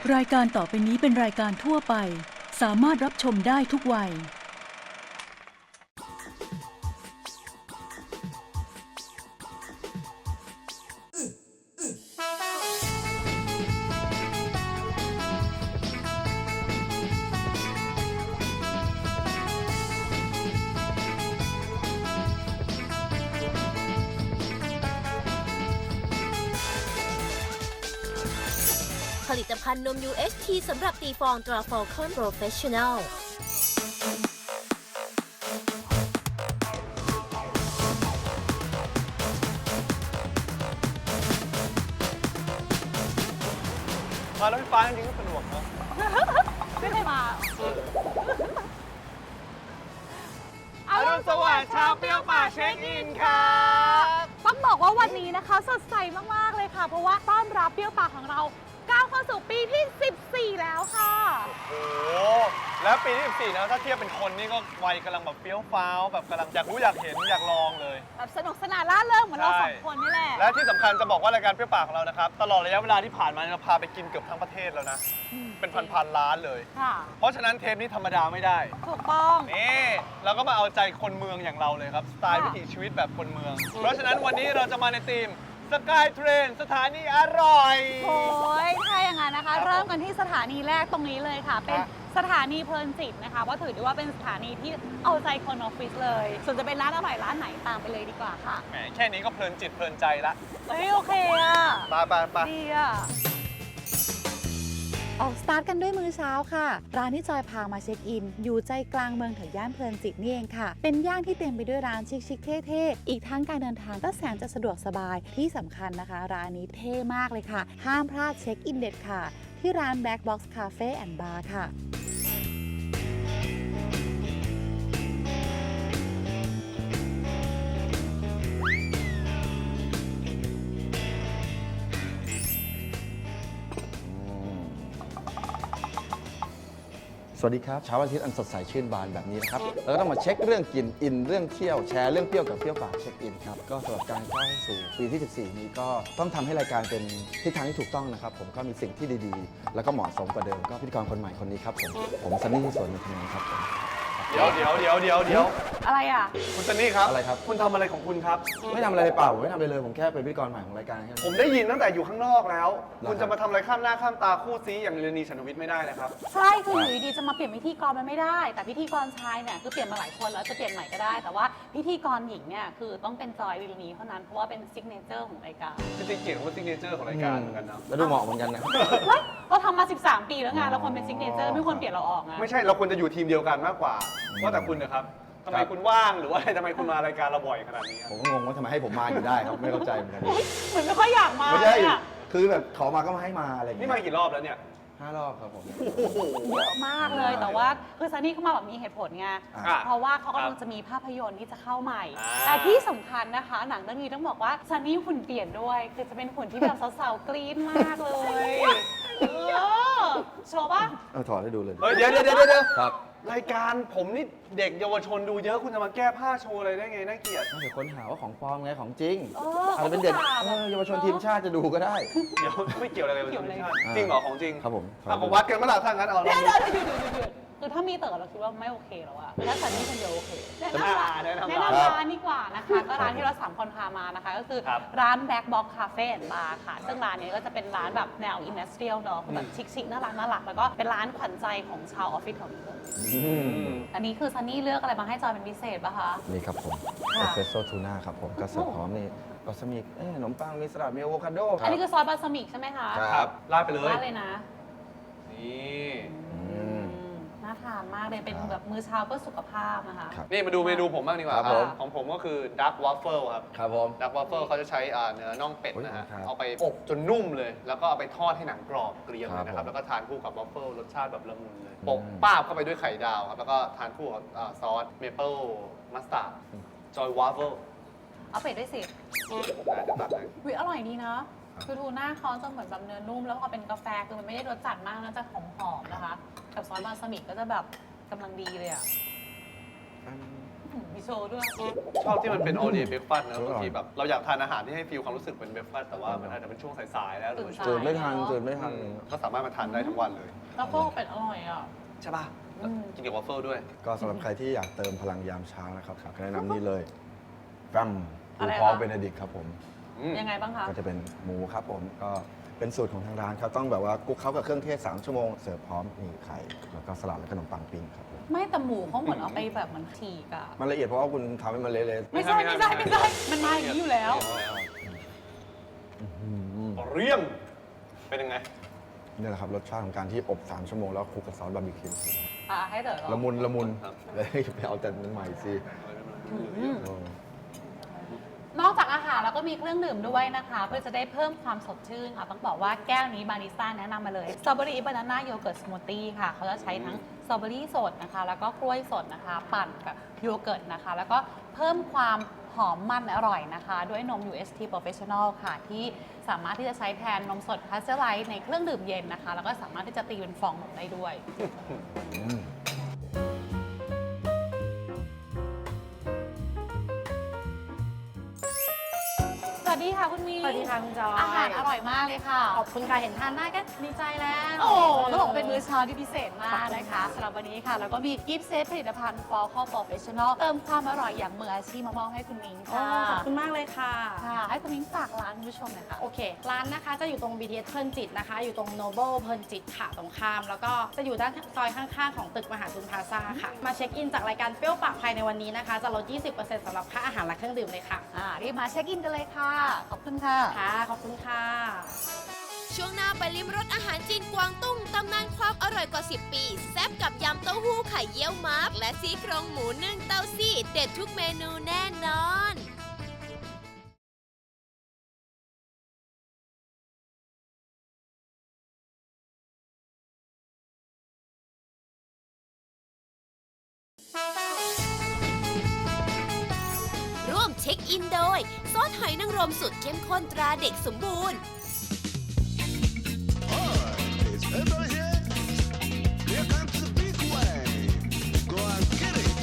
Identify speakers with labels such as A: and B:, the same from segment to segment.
A: รายการต่อไปนี้เป็นรายการทั่วไปสามารถรับชมได้ทุกวัย
B: ผลิตภัณฑ์นม UHT สำหรับตีฟองตรา Falcon Professional
C: มารถไฟฟ้าจริงๆก็สะดวกนะ
D: ไม่เคยมา
C: อรุณสวัสดิ์ชาวเปรี้ยวป่าเช็คอินครับ
D: ต้องบอกว่าวันนี้นะคะสดใสมากๆเลยค่ะ เพราะว่าต้อนรับเปรี้ยวปากของเราก้าวเข้าสู่ปีที่ 14 แล้วค่ะ
C: โอ้โหแล้วปีที่14นะถ้าเทียบเป็นคนนี่ก็วัยกำลังแบบเปรี้ยวฟ้าวแบบกำลังอยากรู้อยากเห็นอยากลองเลย
D: แบบสนุกสนานล่าเริงเหมือนเรา
C: ใช่
D: สองคนนี่แหละ
C: และที่สำคัญจะบอกว่ารายการเปรี้ยวป่าของเรานะครับตลอดระยะเวลาที่ผ่านมาเราพาไปกินเกือบทั้งประเทศแล้วนะ เป็นพันๆล้านเลย
D: ค่ะ
C: เพราะฉะนั้นเทปนี้ธรรมดาไม่ได้
D: ถูกต้อง
C: นี่เราก็มาเอาใจคนเมืองอย่างเราเลยครับสไตล์วิถีชีวิตแบบคนเมือง เพราะฉะนั้นวันนี้เราจะมาในธีมสกายเทรนสถานีอร่อย
D: โอ้ยถ้าอย่างนั้นนะคะ
C: ครับ
D: เริ่มกันที่สถานีแรกตรงนี้เลยค่ะ เป็น
C: ครับ
D: สถานีเพลินจิตนะคะว่าถือได้ว่าเป็นสถานีที่เอาใจคนออฟฟิศเลย ส่วนจะเป็นร้านอร่อยร้านไหนตามไปเลยดีกว่าค่ะ
C: แหมแค่นี้ก็เพลินจิตเพลินใจละ
D: เฮ้ยโอเคอะ
C: ไป
D: ดีอะ
E: ออกสตาร์ทกันด้วยมื้อเช้าค่ะ ร้านที่จอยพามาเช็คอิน อยู่ใจกลางเมืองแถวย่านเพลินจิตนี่เองค่ะ เป็นย่านที่เต็มไปด้วยร้านชิคๆเท่ๆ อีกทั้งการเดินทางก็แสนจะสะดวกสบายที่สำคัญนะคะ ร้านนี้เท่มากเลยค่ะ ห้ามพลาดเช็คอินเด็ดค่ะ ที่ร้าน Black Box Cafe and Bar ค่ะ
F: สวัสดีครับเช้าวันอาทิตย์อันสดใสชื่นบานแบบนี้นะครับเราก็ต้องมาเช็คเรื่องกินอินเรื่องเที่ยวแชร์เรื่องเปรี้ยวกับเปรี้ยวปากเช็คอินครับก็สำหรับการเข้าสู่ปีที่ 14 นี้ก็ต้องทำให้รายการเป็นทิศทางที่ถูกต้องนะครับผมก็มีสิ่งที่ดีๆ แล้วก็เหมาะสมกว่าเดิมก็พิธีกรคนใหม่คนนี้ครับผมซันนี่ที่สวนมินทนนท์ครับผม
C: เดี๋ยว
D: อะไรอ่ะ
C: คุณซันนี่ครับ
F: อะไรครับ
C: คุณทำอะไรของคุณครับ
F: ไม่ทำอะไรเลยเปล่าผมไม่ทำอะไรเลยผมแค่เป็นพิธีกรใหม่ของรายการแค่
C: ผม
F: นั้น
C: ได้ยินตั้งแต่อยู่ข้างนอกแล้ว
F: เหรอ
C: คุณจะมาทำอะไรข้ามหน้าข้ามตาคู่ซีอย่างเรนีฉันทวิทย์ไม่ได้นะครับ
D: ใช่คืออยู่ดีๆจะมาเปลี่ยนพิธีกรมันไม่ได้ แต่พิธีกรชายเนี่ยคือเปลี่ยนมาหลายคนแล้วจะเปลี่ยนใหม่ก็ได้ แต่ว่าพิธีกรหญิงเนี่ยคือต้องเป็นจอยลิลนีเท่านั้นเพราะว่าเป็นซิกเนเจอร์ของรายการ
C: จริงๆเกียรติว่าซิกเนเจอร์ของรายการเหมือนกันนะ
F: แล้วดูเหมาะเหมือนกันนะ
D: เฮ้ยเราทำมา 13 ปีแล้วไงเราควรเป็นซิกเนเจอร์ไม่ควรเปลี่ยนเราออกไง
C: ไม่ใช่เราควรจะอยู่ทีมเดียวกันมากกว่าว่าแต่คุณนะครับทำไม
F: ครับ
C: คุณว่างหรือว่าทำไมคุณมารายการเราบ่อยขนาดนี้
F: ผมก็งงว่าทำไมให้ผมมาอยู่ได้ครับไม่เข้าใจเหมือนกัน
D: เหมือนไม่ค่อยอยากมา
F: ไม่
D: เล
F: ใช่
D: ยอะ
F: คือแบบขอมาก็มาให้มาอะไรอย่าง
C: นี่
F: เงี้ย
C: มากี่รอบแล้วเนี่ย
F: 5 รอบครับผม
D: เยอะมากเลยแต่ว่าคือซันนี่เข้ามาแบบมีเหตุผลไง
C: อ่ะ
D: เพราะว่าเขากำลังจะมีภาพยนตร์ที่จะเข้าใหม่
C: อ่า
D: แต่ที่สำคัญนะคะ หนังเรื่องนี้ต้องบอกว่าซันนี่หุ่นเปลี่ยนด้วย คือจะเป็นหุ่นที่แบบสาวๆกรี๊ดมากเลยโชว์ป่ะ
F: เอาถอดให้ดูเลย
C: เฮ้ยเดี๋ยว
F: ครับ
C: รายการผมนี่เด็กเยาวชนดูเยอะคุณจะมาแก้ผ้าโชว์อะไรได้ไงน่าเกลียด
F: ถ้าเกิดคนหาว่าของปลอมไงของจริง
D: เออ
F: อาจจะเป็นเด็ก
D: เขาอุตส่าห์แบบ
F: เยาวชนทีมชาติจะดูก็ได้
C: เดี๋ยวไม่เกี่ยวอะไรกับ
D: เกี่ยวอะไร
C: ชาติจริงเหรอของจริง
F: ครับผม
C: เอาผมวัดกันเมื่อไหร่ถ้างั้นเอาล
D: เดี๋
C: อย ง
D: ว
C: ดู
D: คือถ้ามีเต๋อเราคิดว่าไม่โอเคแล้วอะแต่ถ้าซันนี่คนเดียวโอเคแนะนำร้าน
C: แนะนำ
D: แนะ
C: ร้าน
D: นำร้านดีกว่านะคะก็ร้านที่เรา3คนพามานะคะ ก็คือ
C: ครับ
D: ร้าน Black Box Cafe and Bar ค่ะ ซึ่งร้านนี้ก็จะเป็นร้านแบบแนวอินดัสเทรียลเนาะแบบชิคๆน่ารักแล้วก็เป็นร้านขวัญใจของชาวออฟฟิศแถวนี้เลย อันนี้คือซันนี่เลือกอะไรมาให้จอยเป็นพิเศษป่ะคะ
F: นี่ครับผม
D: ค่ะ
F: เอสเปรสโซ่ทูน่าครับผมก็เสิร์ฟพร้อมนี่บาสมิกขนมปังมีสลัดมีอะโวคาโดค
D: อั
F: รั
D: น
F: บ
D: นี้คือซอสบาสมิกใช่ไหมคะ
C: ครับลาดไปเลย
D: ราดเลยนะ
C: นี่
D: น่าทานมากเลยเป็นแบบมื้อเช้าเพื่อสุขภาพนะคะ
F: ครับ
C: นี่มาดูเมนูผมบ้างดีกว่า
F: ครับผม
C: ของผมก็คือดักว a ฟเฟิลครับ
F: ครับผม
C: ดักว a ฟเฟิลเขาจะใช้เนื้อน่องเป็ดนะฮะ
F: โอ้ยครับ
C: เอาไปอบจนนุ่มเลย แล้วก็เอาไปทอดให้หนังกรอบเกรียมเลยนะค
F: ครั
C: รับบ
F: ผม
C: แล้วก็ทานคู่กับว a ฟเฟิลรสชาติแบบละมุนเลย
F: อืม
C: โปะป้าบเข้าไปด้วยไข่ดาวครับ แล้วก็ทานคู่กับซอสเมเปิลมัสตาร์ดจอยวาฟเฟิล
D: เอาเป็ดด้วยสิ
C: จะตัดให้
D: วิอร่อยดีนะ คือทูน่าเขาจะเหมือนแบบเนื้อนุ่ม แล้วพอเป็นกาแฟคือมันไม่ได้รสจัดมากนะจะหอมๆนะคะ กับซอสบาสมิกก็จะแบบกำลังดีเลยอ่ะมีโชว์ด้วย
C: ชอบที่มันเป็น all day breakfast นะบางทีแบบเราอยากทานอาหารที่ให้ฟีลความรู้สึกเป็น breakfast แต่ว่ามันอาจจะเป็นช่วงสายๆแล้วหรือว่าช่วง
F: ตื่นไม่ทันตื่นไม่ทัน
C: ก็สามารถมาทานได้ทั้งวันเลย
D: แล้วก็เป็ดอร่อยอ่ะ
C: ใช่ป่ะกินกับวอฟเฟิลด้วย
F: ก็สำหรับใครที่อยากเติมพลังยามเช้านะครับแนะนำนี่เลยแฟม
D: อะ
F: ปู
D: ไร
F: พอก
D: คะ
F: เบเนดิกครับผม
D: ยังไงบ้างคะ
F: ก็จะเป็นหมูครับผมก็เป็นสูตรของทางร้านครับต้องแบบว่าคลุกเคล้ากับเครื่องเทศ3 ชั่วโมงเสิร์ฟพร้อมมีไข่แล้วก็สลัดและขนมปังปิ้งครับผม
D: ไม่แต่หมูเขาเหมือนเอาไปแบบมันฉีกอะ
F: มันละเอียดเพราะว่าคุณทำให้มันเละ
D: ไม่ใช่ มันมาอย่างนี้อยู่แล้ว
C: เรียมเป็นยังไง
F: ๆนี่แหละครับรสชาติของการที่อบ3 ชั่วโมงแล้วคลุกกับซอสบาร์บีคิว
D: อ่ะให้เต๋อลอง
F: ละมุนละมุน
C: ครับ
F: เลยไปเอาแต่นั้นใหม่สิ
D: นอกจากอาหารแล้วก็มีเครื่องดื่มด้วยนะคะ เพื่อจะได้เพิ่มความสดชื่นค่ะต้องบอกว่าแก้วนี้บาริสต้าแนะนำมาเลยสตรอเบอรี่บานาน่าโยเกิร์ตสมูทตี้ค่ะเขาจะใช้ทั้งสตรอเบอรี่สดนะคะ แล้วก็กล้วยสดนะคะ ปั่นกับโยเกิร์ตนะคะ แล้วก็เพิ่มความหอมมันอร่อยนะคะ ด้วยนม UST Professional ค่ะ ที่สามารถที่จะใช้แทนนมสดพาสเจอร์ไลท์ในเครื่องดื่มเย็นนะคะ แล้วก็สามารถที่จะตีเป็นฟองนมได้ด้วย สวัสดีค่ะคุณมี
G: สวัสดีค่ะคุณจอย
D: อาหารอร่อยมากเลยค่ะ
G: ขอบคุณค่ะเห็นทานได้ก็ดีใจแล้ว
D: โอ้ต้องบอกว่าเป็นมื้อเช้าที่พิเศษมากนะคะสำหรับวันนี้ค่ะ แล้วก็มีกิฟต์เซตผลิตภัณฑ์ Fall Call Professional เติมความอร่อยอย่างมืออาชีพมามอบให้คุณมิ้ง
G: โอ้
D: ค่ะ
G: ขอบคุณมากเลยค่ะ
D: ค่ะ ให้คุณมิ้งฝากร้านคุณผู้ชมหน่อยค่ะ
G: โอเค ร้านนะคะจะอยู่ตรง BTS เพลินจิตนะคะ อยู่ตรง Noble เพลินจิตค่ะตรงข้าม แล้วก็จะอยู่ด้านซอยข้างๆ ของตึกมหาทุนพลาซ่าค่ะ มาเช็คอินจากรายการเปรี้ยวปากภายในวันนี้นะคะ จะลด 20% สำหรับค่าอาหารและเครื่องดื่มเลยค่ะ
D: รีบมาเช็คอินกันเลยค่ะ ขอบคุณค่ะ
G: ค่ะ ขอบคุณค่ะ
B: ช่วงหน้าไปลิ้มรสอาหารจีนกวางตุ้งตำนานความอร่อยกว่า 10 ปี แซ่บกับยำเต้าหู้ไข่เยี่ยวม้าและซี่โครงหมูนึ่งเต้าซี่ เด็ดทุกเมนูแน่นอน ร่วมเช็คอินโดย ซอสหอยนางรมสุดเข้มข้นตราเด็กสมบูรณ์
H: Is everybody here? Here comes the big wave. Go and get it.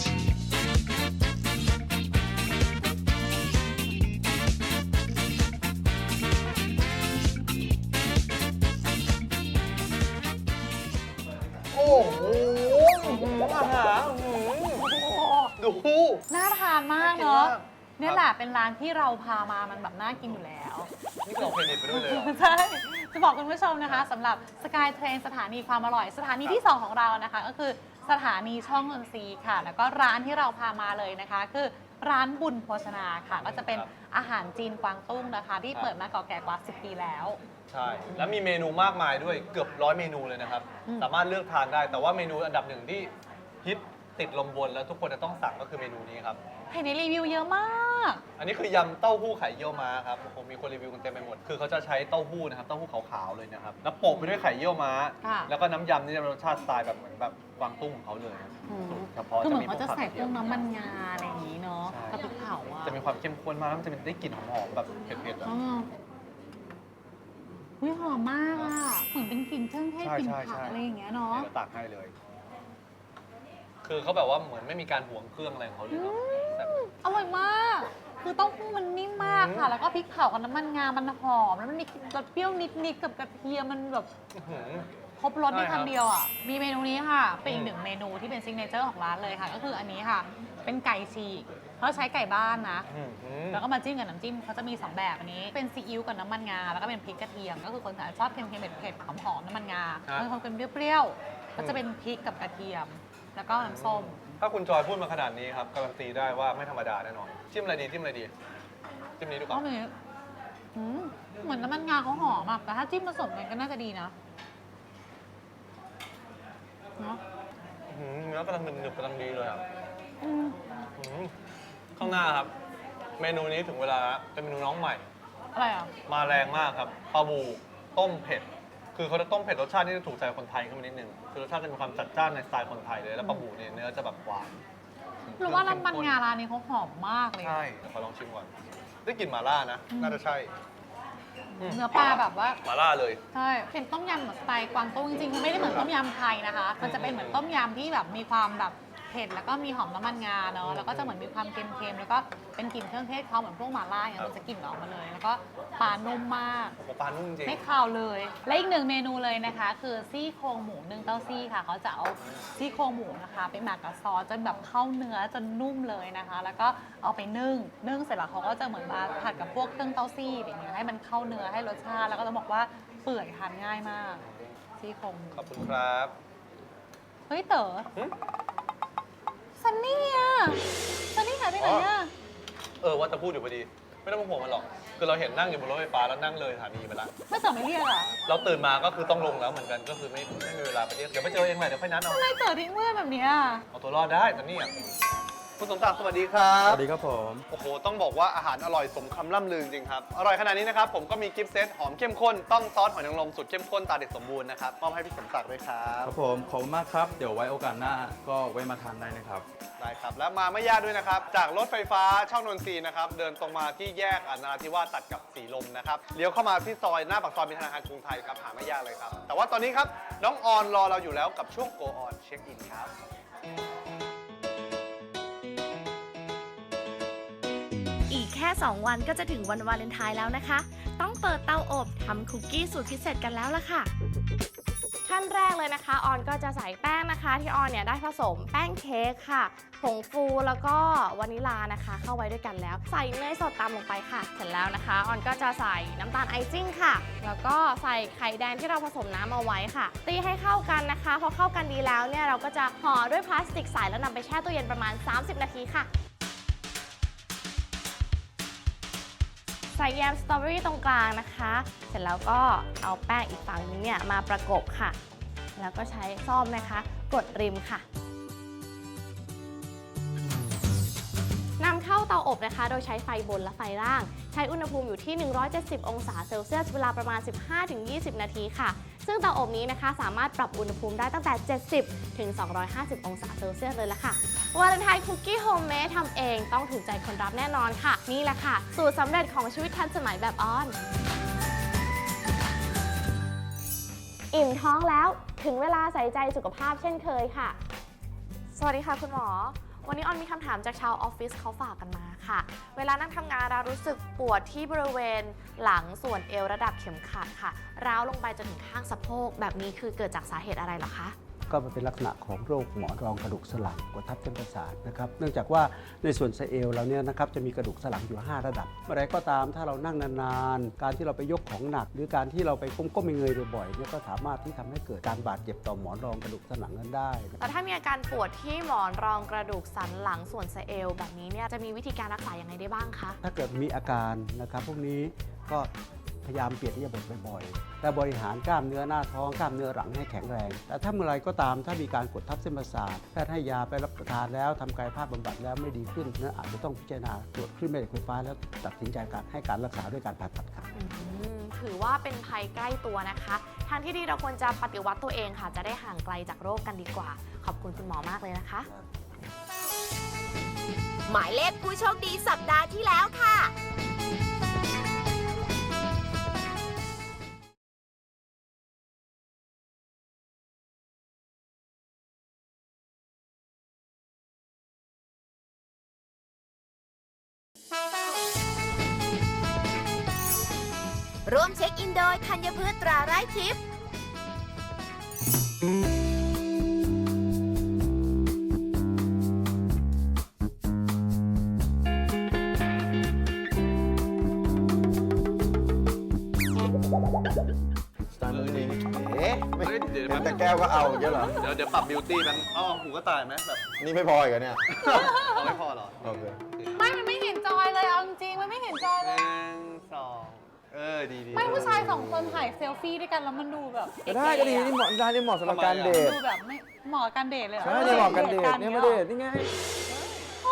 C: โอ้โหอาหารดู
D: น่าทานมากเนาะ
C: น่ากินมาก
D: เนี่ยแหละเป็นร้านที่เราพามามันแบบน่ากินอยู่แล้ว
C: นี่เราเครดิตไปด้วยเลยเหรอ
D: ใช่ จะบอกคุณผู้ชมนะคะสำหรับสกายเทรนสถานีความอร่อย สถานีที่ 2 ของเรานะคะ ก็คือสถานีช่องนนทรีย์ค่ะ แล้วก็ร้านที่เราพามาเลยนะคะ คือร้านบุญโภชนาค่ะ ก็จะเป็นอาหารจีนกวางตุ้งนะคะ ที่เปิดมาเก่าแก่กว่า 10 ปีแล้ว
C: ใช่ แล้วมีเมนูมากมายด้วยเกือบ100 เมนูเลยนะครับ สามารถเลือกทานได้ แต่ว่าเมนูอันดับหนึ่งที่ฮิตติดลมบนแล้วทุกคนจะต้องสั่งก็คือเมนูนี้ครับ
D: เห็นในรีวิวเยอะมาก
C: อันนี้คือยำเต้าหู้ไข่เยี่ยวม้าครับผมมีคนรีวิวกันเต็มไปหมด คือเขาจะใช้เต้าหู้นะครับ เต้าหู้ขาวๆเลยนะครับ แล้วโปะไปด้วยไข่เยี่ยวม้า
D: ค่ะ
C: แล้วก็น้ำยำนี่จะเป็นรสชาติสไตล์แบบเหมือนแบบกวางตุ้งของเขาเลยสูตรเฉพาะ
D: คือเหมือน
C: พว
D: เขาจะ
C: ผัก
D: ใส่
C: กระ
D: พ
C: เทียว ม
D: น้ำมันงาอะไรอย่างนี้เนาะ
C: ใช่
D: กระพริกเผาอ่ะ
C: จะมีความเข้มข้นมากแล้วมันจะมีได้กลิ่นหอมๆแบบเผ็ดๆอะ
D: อ๋ออุ๊ยหอมมากอ่ะ เหมือนเป็นกลิ่นเครื่องเทศ
C: ใช่
D: กลิ่น
C: ใช่
D: ผัก
C: ใช่
D: อะไรอย่างเงี้ยเนาะ
C: เดี๋ยวตักให้เลย คือเขาแบบว่าเหมือนไม่มีการหวงเครื่องอะไรของเขาเลยเนาะแบบ
D: อร่อยมาก คือเต้าหู้มันนิ่มมากค่ะ แล้วก็พริกเผากับน้ำมันงา มันหอม แล้วมันมีรสเปรี้ยวนิดๆกับกระเทียม มันแบบ
C: อื้อหือ
D: ครบรสใน
C: ใช่ครับ
D: คำเดียวอ่ะ มีเมนูนี้ค่ะ เป็นอีกหนึ่งเมนูที่เป็นซิกเนเจอร์ของร้านเลยค่ะ ก็คืออันนี้ค่ะ เป็นไก่ฉีกเขาใช้ไก่บ้านนะ
C: อื้อหือ
D: แล้วก็มาจิ้มกับน้ำจิ้มเขาจะมี 2 แบบอันนี้ เป็นซีอิ๊วกับน้ำมันงา แล้วก็เป็นพริกกระเทียม ก็คือคนชอบเค็มๆเผ็ดๆหอมๆน้ำมันงา
C: ครับ
D: บางคนเป็นเปรี้ยวๆ ก็จะเป็นพริกกับกระเทียม แล้วก็น้ำส้ม
C: ถ้าคุณจอยพูดมาขนาดนี้ครับการันตีได้ว่าไม่ธรรมดาแน่นอนจิ้มอะไรดีจิ้มอะไรดีจิ้มนี้ดีก
D: ก็
C: ว่า
D: มีเหมือนน้ำมันงาเขาหอมอะแต่ถ้าจิ้มผสมกันก็น่าจะดีนะเนาะ
C: อื้อหือเนื้อกำลังหนึบๆกำลังดีเลยอ่ะ
D: อืม
C: อื้อหือข้างหน้าครับ เมนูนี้ถึงเวลาแล้วเป็นเมนูน้องใหม่
D: อะไรอ่ะ
C: มาแรงมากครับปลาบูต้มเผ็ด คือเขาจะต้มเผ็ดรสชาติที่จะถูกใจคนไทยขึ้นมานิดนึงคือรสชาติจะมีความจัดจ้านในสไตล์คนไทยเลยแล้วปลาบูเนี่ยเนื้อจะแบบหวาน
D: หรือว่าน้ำมันงาร้านนี้เขาหอมมากเลย
C: ใช่เดี๋ยวขอลองชิมก่อนได้กลิ่นหม่าล่านะ น่าจะใช่
D: เนื้อปลาแบบว่า
C: หม่าล่าเลย
D: ใช่ เป็นต้มยำแบบสไตล์กวางตุ้งจริงๆมันไม่ได้เหมือนต้มยำไทยนะคะ มันจะเป็นเหมือนต้มยำที่แบบมีความแบบเผ็ดแล้วก็มีหอมน้ำมันงาเนาะแล้วก็จะเหมือนมีความเค็มๆแล้วก็เป็นกลิ่นเครื่องเทศเขาเหมือนพวกหม่าล่าอย่างเงี้ยมันจะกลิ่นออกมาเลย แล้วก็ปลานุ่มมาก
C: โอ้โหปลานุ่มจริง
D: ไม่คาวเลย และอีกหนึ่งเมนูเลยนะคะ คือซี่โครงหมูนึ่งเต้าซี่ค่ะเขาจะเอาซี่โครงหมูนะคะไปหมักกับซอสจนแบบเข้าเนื้อจนนุ่มเลยนะคะ แล้วก็เอาไปนึ่งเสร็จแล้วเขาก็จะเหมือนมาผัดกับพวกเครื่องเต้าซี่แบบนี้ให้มันเข้าเนื้อให้รสชาติแล้วก็จะบอกว่าเปื่อยทานง่ายมากซี่โครงหมู
C: ขอบคุณครับ
D: เฮ้ยเต๋อ
C: หึ
D: ซันนี่อะซันนี่หายไปไหนอะ
C: ว่าจะพูดอยู่พอดี ไม่ต้องห่วงมันหรอก คือเราเห็นนั่งอยู่บนรถไฟฟ้าแล้วนั่งเลยสถานีไปแล้ว
D: ไม่เต๋อไม่เรียกอะ
C: เราตื่นมาก็คือต้องลงแล้วเหมือนกัน ก็คือไม่มีเวลาไปเรียกเดี๋ยวไปเจอเองแหละเดี๋ยวค่อยนัดเอา
D: ทำไมเต๋อทิ้งเพื่อนแบบเนี้ย
C: เอาตัวรอดได้แต่นี่อ่ะคุณสมศักดิ์สวัสดีครับ
F: สวัสดีครับผม
C: โอ้โห ต้องบอกว่าอาหารอร่อยสมคำล่ำลือจริงครับ อร่อยขนาดนี้นะครับ ผมก็มีกิฟต์เซตหอมเข้มข้น ต้องซอสหอยนางรมสูตรเข้มข้นตาเด็ดสมบูรณ์นะครับ มอบให้พี่สมศักดิ์ด้วยครับ
I: ครับผมขอบคุณมากครับ เดี๋ยวไว้โอกาสหน้าก็ไว้มาทานได้นะครับ
C: ได้ครับ แล้วมาไม่ยากด้วยนะครับ จากรถไฟฟ้าช่องนนทรีย์นะครับ เดินตรงมาที่แยกนราธิวาสตัดกับสีลมนะครับ เลี้ยวเข้ามาที่ซอยหน้าปากซอยมีธนาคารกรุงไทยครับ หาไม่ยากเลยครับ แต่ว่าตอนนี้ครับ น้องออนรอเราอยู่แล้วกับช่วง Go On Check In ครับ
J: อีกแค่ 2 วันก็จะถึงวันวาเลนไทน์แล้วนะคะ ต้องเปิดเตาอบทำคุกกี้สูตรพิเศษกันแล้วล่ะค่ะ
G: ขั้นแรกเลยนะคะออนก็จะใส่แป้งนะคะ ที่ออนเนี่ยได้ผสมแป้งเค้กค่ะผงฟูแล้วก็วานิลานะคะ เข้าไว้ด้วยกันแล้ว ใส่เนยสดตามลงไปค่ะ เสร็จแล้วนะคะออนก็จะใส่น้ำตาลไอซิ่งค่ะ แล้วก็ใส่ไข่แดงที่เราผสมน้ำเอาไว้ค่ะ ตีให้เข้ากันนะคะพอเข้ากันดีแล้วเนี่ยเราก็จะห่อด้วยพลาสติกใสแล้วนำไปแช่ตู้เย็นประมาณ 30 นาทีค่ะ ใส่แยมสตรอเบอรี่ตรงกลางนะคะ เสร็จแล้วก็เอาแป้งอีกฝั่งนึงเนี่ยมาประกบค่ะ แล้วก็ใช้ซ่อมนะคะกดริมค่ะนำเข้าเตาอบนะคะ โดยใช้ไฟบนและไฟล่าง ใช้อุณหภูมิอยู่ที่ 170 องศาเซลเซียส เวลาประมาณ 15-20 นาทีค่ะ ซึ่งเตาอบนี้นะคะสามารถปรับอุณหภูมิได้ตั้งแต่ 70 ถึง 250 องศาเซลเซียสเลยละค่ะวาเลนไทน์คุกกี้โฮมเมดทำเองต้องถูกใจคนรับแน่นอนค่ะ นี่แหละค่ะ สูตรสำเร็จของชีวิตทันสมัยแบบออน อิ่มท้องแล้วถึงเวลาใส่ใจสุขภาพเช่นเคยค่ะ สวัสดีค่ะคุณหมอ วันนี้ออนมีคำถามจากชาวออฟฟิศเขาฝากกันมาค่ะ เวลานั่งทำงานเรารู้สึกปวดที่บริเวณหลังส่วนเอวระดับเข็มขัดค่ะร้าวลงไปจนถึงข้างสะโพกแบบนี้คือเกิดจากสาเหตุอะไรเหรอคะ
K: ก็มันเป็นลักษณะของโรคหมอนรองกระดูกสันหลังกดทับเส้นประสาทนะครับเนื่องจากว่าในส่วนสะเอวเราเนี่ยนะครับจะมีกระดูกสันหลังอยู่ 5 ระดับเมื่อไรก็ตามถ้าเรานั่งนานๆการที่เราไปยกของหนัก หรือการที่เราไปก้มเงยบ่อยๆเนี่ยก็สามารถที่ทำให้เกิดการบาดเจ็บต่อหมอนรองกระดูกสันหลังนั้นได้
J: แต่ถ้ามีอาการปวดที่หมอนรองกระดูกสันหลังส่วนสะเอวแบบนี้เนี่ยจะมีวิธีการรักษาอย่างไรได้บ้างคะ
K: ถ้าเกิดมีอาการนะครับพวกนี้ก็พยายามเปลี่ยนอิริยาบถบ่อยๆและบริหารกล้ามเนื้อหน้าท้องกล้ามเนื้อหลังให้แข็งแรงแต่ถ้าเมื่อไรก็ตามถ้ามีการกดทับเส้นประสาทแพทย์ให้ยาไปรับประทานแล้วทำกายภาพบำบัดแล้วไม่ดีขึ้นนะอาจจะต้องพิจารณาตรวจคลื่นแม่เหล็กไฟฟ้าแล้วตัดสินใจการให้การรักษาด้วยการผ่าตัดครับ
J: ถือว่าเป็นภัยใกล้ตัวนะคะทางที่ดีเราควรจะปฏิวัติตัวเองค่ะจะได้ห่างไกลจากโรคกันดีกว่าขอบคุณคุณหมอมากเลยนะคะ
B: หมายเลขผู้โชคดีสัปดาห์ที่แล้วค่ะ ร่วมเช็คอินโดยธัญพืชตราไร้ทิพย์
F: สไตล์มุ้งมิ้งเอ๊ะไม่
C: เฮ้ยเดี๋ยว
F: เห็นแต่แก้วก็เอาอย่างเงี้ยเหรอ
C: เดี๋ยวปรับบิวตี้มันเอาหูก็ตายไหมแบบ
F: นี่ไม่พออีกเหรอเนี่ย
C: เอาไม่พอเหรอ
F: โอเค
D: ไม่มันไม่เห็นจอยเลยเอาจริงๆมันไม่เห็นจอย
C: ห
D: เลย
C: นึ่งสองดี
D: ไม่ผู้ชายสองคนถ่ายเซลฟี่ด้วยกันแล้วมันดูแบบ
F: ได้ก็ดีนี่เหมาะได้นี่เหมาะสำหรับการเดท
D: ดูแบบไม่เหมาะกับการเดทเลยเหรอ
F: ใช่นี่เหมาะกันเดทเนี่ยมาเดทนี่ไง
D: โอ้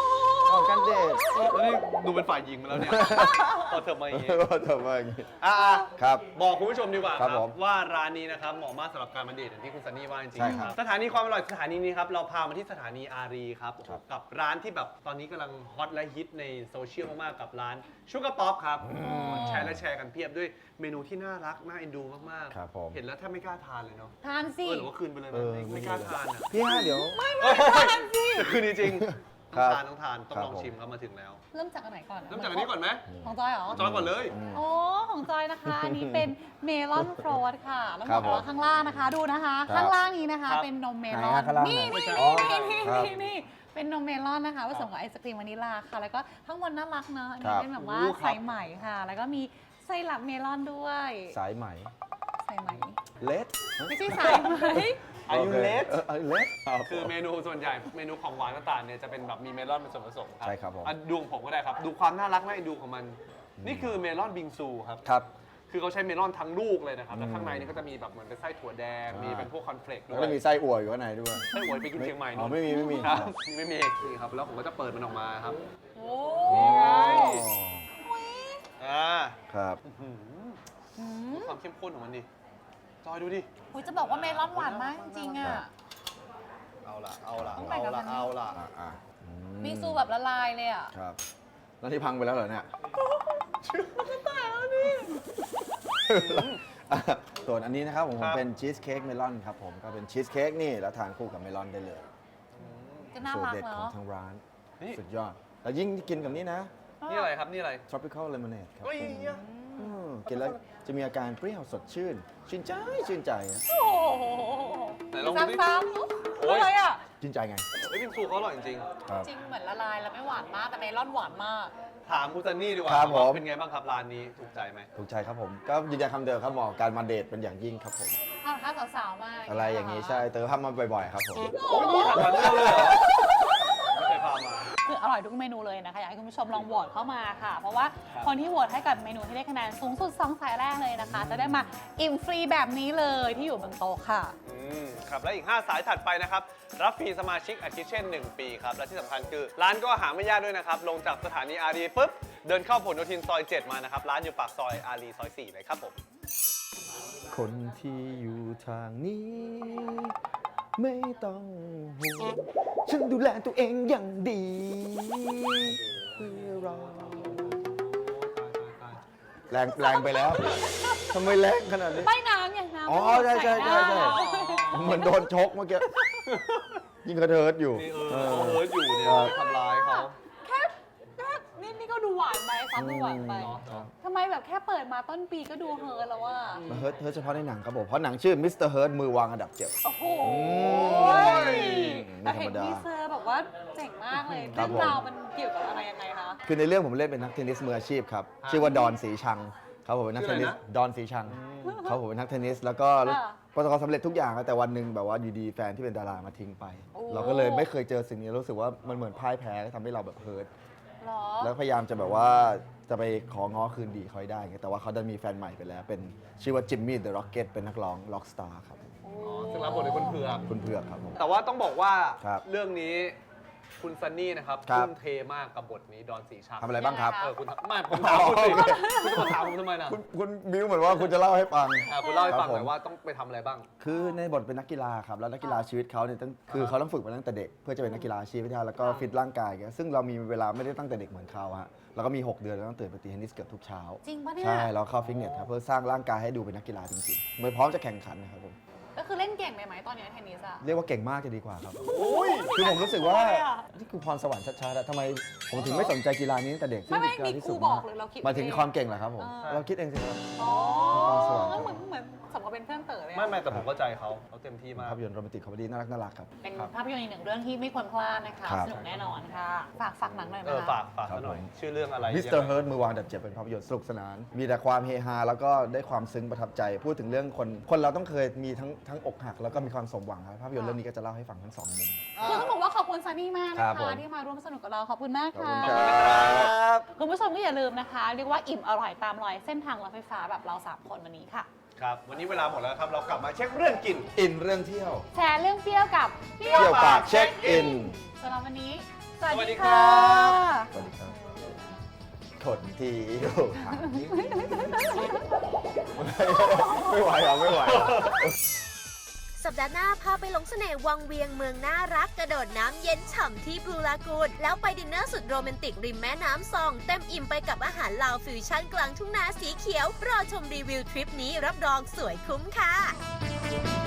F: ออกกันเดท
C: แล้วนี่ดูเป็นฝ่ายหญิงมาแล้วเนี่ยพอเธอมาอย่างงี้
F: ทำไมอย่างนี้
C: อ่ะ
F: ครับ
C: บอกคุณผู้ชมดีกว่าค
F: ครั
C: รับบ
F: ผม
C: ว่าร้านนี้นะครับเหมาะมากสำหรับการมาเดทอย่างที่คุณซันนี่ว่าจริง
F: ใช่ครับ
C: สถานีความอร่อยสถานีนี้ครับเราพามาที่สถานีอารีครับ
F: ครับ
C: กับร้านที่แบบตอนนี้กำลังฮอตและฮิตในโซเชียลมากๆกับร้านชูการ์ป๊อปครับแชร์และแชร์กันเพียบด้วยเมนูที่น่ารักน่าเอ็นดูมาก
F: ครับผม
C: เห็นแล้วแทบไม่กล้าทานเลยเนาะ
D: ทานสิ
C: หรือว่าคืนไปเลยไหมไม่กล้าทานอ่ะ
F: พี่ฮะเดี๋ยว
C: จะคืนจริงๆ
F: ครับ
C: ต้องทานต้องลองชิมครับมาถึงแล้ว
D: เริ่มจากอันไหนก่อน
C: เริ่มจากอันนี้ก่อนไหม
D: ของจอยเหรอ
C: จอยก่อนเลย
D: โอ้ของจอยนะคะ อันนี้เป็นเมลอนโฟลตค่ะแล้ว
F: ครับ
D: บอกว่าข้างล่างนะคะ ดูนะคะ
F: ครับ
D: ข้างล่างนี้นะคะ
C: ครับ
D: เป็นนมเม
F: ไหน
D: ลอน
F: ฮะข้างล่าง
D: นี่
F: ไหน
D: นี่
F: อ๋อ
D: นี่
F: ครับ
D: นี่เป็นนมเมลอนนะคะผสมกับไอศครีมวานิลลาค่ะ แล้วก็ข้างบนน่ารักเนอะอัน
F: ครั
D: นี้
F: บ
D: เป็นแบบว่า
C: โอ้ครับ
D: สายไหมค่ะ แล้วก็มีไส้หลักเมลอนด้วย
F: สายไหม
D: สายไหม
F: เลด
D: ไม่ใช่สายไหม
C: อายุเลส
F: เลด
C: คือเมนูส่วนใหญ่เมนูของหวานต่างๆเนี่ยจะเป็นแบบมีเมลอนเป็นส่วนผสมครับ
F: ใช่ครับผม
C: อ่ะดูของผมก็ได้ครับ ดูความน่ารักน่าเอ็นดูของมัน นี่คือเมลอนบิงซูครับ
F: ครับ
C: คือเขาใช้เมลอนทั้งลูกเลยนะครับ แล้วข้างในนี่ก็จะมีแบบเหมือนเป็นไส้ถั่วแดง มีเป็นพวกคอนเฟลกด้
F: แล้ว
C: ว
F: ก็
C: ย
F: มีไส้อั่วอยู่ข้างในด้วย
C: ไส้หวยไปกินเชียงใหม่
F: อ๋อ
C: นู่น
F: ไม่มี
C: ครับไม่มีนี่ครับ แล้วผมก็จะเปิดมันออกมาครับ
D: โอ้
C: นี่ไง
D: อุ๊ย
F: ครับ
D: อืม
C: ดูความเข้มข้นของมันดิ จอยดูดิ
D: อุ๊ยจะบอกว่าเมลอนหวานมากจริงๆอ่ะ
C: เอาละ
D: ต้องแบ่งกับมันนี่
C: เอาละ
F: อ่ะ
D: บิงซูแบบละลายเลยอ่ะ
F: ครับ แล้วที่พังไปแล้วเหรอเนี่ย ส่วนอันนี้นะครับผม
C: ครับ
F: เป็นชีสเค้กเมลอนครับผม ก็เป็นชีสเค้กนี่แล้วทานคู่กับเมลอนได้เลย
D: ก็น่า
F: สูตร
D: รัก
F: เด็ดของ
D: เนาะ
F: ทางร้าน
C: นี่
F: สุดยอด แล้วยิ่งกินกับนี่นะ
C: นี่อะไรครับ นี่อะไร
F: tropical lemonade ครับ
C: เฮ้ย
F: กินแล้วจะมีอาการเปรี้ยวสดชื่น ชื่นใจชื่นใจอะ
D: โอ้โห
C: ไหนลองดูดิ
D: ซ้ำๆ
C: โอ๊ย
D: อะไรอ่ะ
F: ชื่นใจไง
C: เฮ้ยบิงซูเขาอร่อยจริง
F: ครับ
D: จริงเหมือนละลายแล้วไม่หวานมาก แต่เมลอนหวานมาก
C: ๆถามคุณซันนี่ดีกว่า
F: ครับผม
C: เป็นไงบ้างครับร้านนี้ถูกใจไหม
F: ถูกใจครับผม ก็ยืนยันคำเดิมครับเหมาะกับการมาเดทเป็นอย่างยิ่งครับผม
D: ถ้าสาวๆมาก
F: อะไรอย่างนี้ใช่เติมภาพมาบ่อยๆครับผม
C: โอ้ยนี่หันมาเรื่องเลยเหรอไม่เคยพามา
D: คืออร่อยทุกเมนูเลยนะคะ อยากให้คุณผู้ชมลองโหวตเข้ามาค่ะ เพราะว่าคนที่โหวตให้กับเมนูที่ได้คะแนนสูงสุด2 สายแรกเลยนะคะ จะได้มาอิ่มฟรีแบบนี้เลยที่อยู่บนโต๊ะค่ะ
C: ครับและอีก 5 สายถัดไปนะครับ รับฟรีสมาชิกอาทิเช่น 1 ปีครับ และที่สำคัญคือ ร้านก็หาไม่ยากด้วยนะครับ ลงจากสถานีอารีปุ๊บ เดินเข้าผลโยธินซอย 7 มานะครับ ร้านอยู่ปากซอยอารีซอย 4 เลยครับผม
F: คนที่อยู่ทางนี้ ไม่ต้องห่วงฉันดูแลตัวเองอย่างดีเพื่อเราแรงไปแล้วทำไมแรงขนาดนี้
D: ไม่น้ำอย่างน้ำ
F: อ๋อใช่เหมือนโดนชกเมื่อกี้ยิ่งกระเทิดอยู่
C: นี่เขาเฮิร์ตอยู่เนี่ย
F: ครับ
C: ไปทำร้ายเขา
D: แค่นี่ก็ดูหวานไปซ้ำดูหวานไป
F: ครับ
D: ทำไมแบบแค่เปิดมาต้นปีก็ดูเฮิร์ตแล้วว่า
F: มาเฮิร์ตเฉพาะในหนังครับผมเพราะหนังชื่อมิสเตอร์เฮิร์ตมือวางอันดับเจ็บ
D: โอ้โห
F: ย
D: แต่เห็น
F: ไม่ธรรมดา
D: ทีเซอร์แบบว่าเจ๋งมากเลย
F: ครั
D: เรื่
F: บ
D: องราวมันเกี่ยวกับอะไรยังไงคะ
F: คือในเรื่องผมเล่นเป็นนักเทนนิสมืออาชีพครับ ชื่อว่าดอนสีชังครับผมเป็นนักเทนนิสดอนสีชังครับผมเป็นนักเทนนิสแล้วก็
D: ค่ะ
F: ประสบความสำเร็จทุกอย่างครับแต่วันหนึ่งแบบว่าอยู่ดีแฟนที่เป็นดารามาทิ้งไป
D: โอ้
F: เราก็เลยไม่เคยเจอสิ่งนี้รู้สึกว่ามันเหมือนพ่ายแพ้ทำให้เราแบบเฮิร์ต
D: หรอ
F: แล้วพยายามจะแบบว่าจะไปของ้อคืนดีเขาให้ได้ไงแต่ว่าเขาดันมีแฟนใหม่ไปแล้ว เป็นชื่อว่าจิมมี่เดอะร็อกเก็ตเป็นนักร้องล็อกสตาร์ครับ
C: ซึ่งรับบทโดยคุณเผือก
F: คุณเผือกครับผม
C: แต่ว่าต้องบอกว่า
F: ครับ
C: เรื่องนี้คุณซันนี่นะครับ
F: ครับ
C: ทุ่มเทมากกับบทนี้ดอนสีชัง
F: ทำอะไรบ้างครับ
C: คุณไม่ผมถามคุณสิ
F: โอเค
C: คุณจะมาถามผมทำไมนะ
F: คุณบิวเหมือนว่าคุณจะเล่าให้ฟัง
C: คุณเล่าให้ฟัง
F: ครับ
C: หน่อย
F: ผม
C: ว่าต้องไปทำอะไรบ้าง
F: คือในบทเป็นนักกีฬาครับแล้วนักกีฬาชีวิตเขาเนี่ยคือเขาต้องฝึกมาตั้งแต่เด็ก เพื่อจะเป็นนักกีฬาอาชีพให้ได้แล้วก็ฟิตร่างกายอย่างเงี้ยซึ่งเรามีเวลาไม่ได้ตั้งแต่เด็กเหมือนเขาฮะแล้วก็มี 6 เดือนเราต้องตื่นไปตีเทนนิสเกือบทุกเช้า
D: จริงปะเนี่ย
F: ใช่เราเข้าฟิตเนสครับเพื่อสร้างร่างกายให้ดูเป็นนักกีฬาจริงๆเหมือนพร้อมจะแข่งขันนะครับผม
D: ก็คือเล่นเก่งไปไหมตอนนี้เทนนิสอะ
F: เรียกว่าเก่งมากจะดีกว่าครับคือผมรู้สึกว่านี่คือพรสวรรค์ชัดๆอะทำไมผมถึงไม่สนใจกีฬานี้ตั้งแต่เด็กซึ่ง
D: ไม่
F: เป็นกีฬาที่
D: มีครู
F: สูง
D: บอ
F: มาก ก
D: หรือเราคิด
F: มาถึง
D: เอง
F: ความเก่งเหรอครับผม
D: อ่า
F: เราคิดเองสิครับ
D: อ๋อ
F: พรสวรรค์ครับ
D: เหมือนสมกับเป็นเพื่อนเต๋อเลยอะ
C: ไม่แต่ผมเข้าใจเขาเต็มที่มาก
F: ภาพยนตร์โรแมนติกคอมเมดี้น่ารักครับ
D: เป็นภาพยนตร์อีกหนึ่งเรื่องที่ไม่ควรพลาดนะคะ
F: ครับ
D: สนุกแน่นอนค่ะ ฝากหนังหน่อยไหม
C: ฝา
D: คะ
C: กซะหน่อย ชื่อเรื่องอะไร
F: มิสเตอร์เฮิร์ตมือวางอันดับเจ็ดเป็นภาพยนตร์สนุกสนาน มีแต่ความเฮฮาแล้วก็ได้ความซึ้งประทับใจ พูดถึงเรื่องคนเราต้องเคยมีทั้งอกหักแล้วก็มีความสมหวังครับภาพยนตร์เรื่องนี้ก็จะเล่าให้ฟังทั้งสองมุม
D: คือต้องบอกว่าขอบคุณซันนี่มาก
F: ครั
D: นะ
F: บผ
D: คะ
F: ม
D: ที่มาร่วมสนุกกับเราขอบคุณมาก
F: ขอบ
D: ค่ะ
F: คุณครับ
D: คุณผู้ชมก็อย่าลืมนะคะ เรียกว่าอิ่มอร่อยตามรอยเส้นทางรถไฟฟ้าแบบเรา 3 คนวันนี้ค่ะ
C: ครับ วันนี้เวลาหมดแล้วครับ เรากลับมาเช็คเรื่องกิน
F: อินเรื่องเที่ยว
D: แชร์เรื่องเปรี้ยวกับ
F: เที่ยวปากเช็คอิน
D: สำหรับวันนี้ ส
C: สวัสดีครับ
F: สวัสดีครับทนทีไม่ไหวหรอไม่ไหว
B: สัปดาห์หน้าพาไปหลงเสน่ห์วังเวียงเมืองน่ารักกระโดดน้ำเย็นฉ่ำที่บลูลากูนแล้วไปดินเนอร์สุดโรแมนติกริมแม่น้ำซองเต็มอิ่มไปกับอาหารลาวฟิวชั่นกลางทุ่งนาสีเขียวรอชมรีวิวทริปนี้รับรองสวยคุ้มค่ะ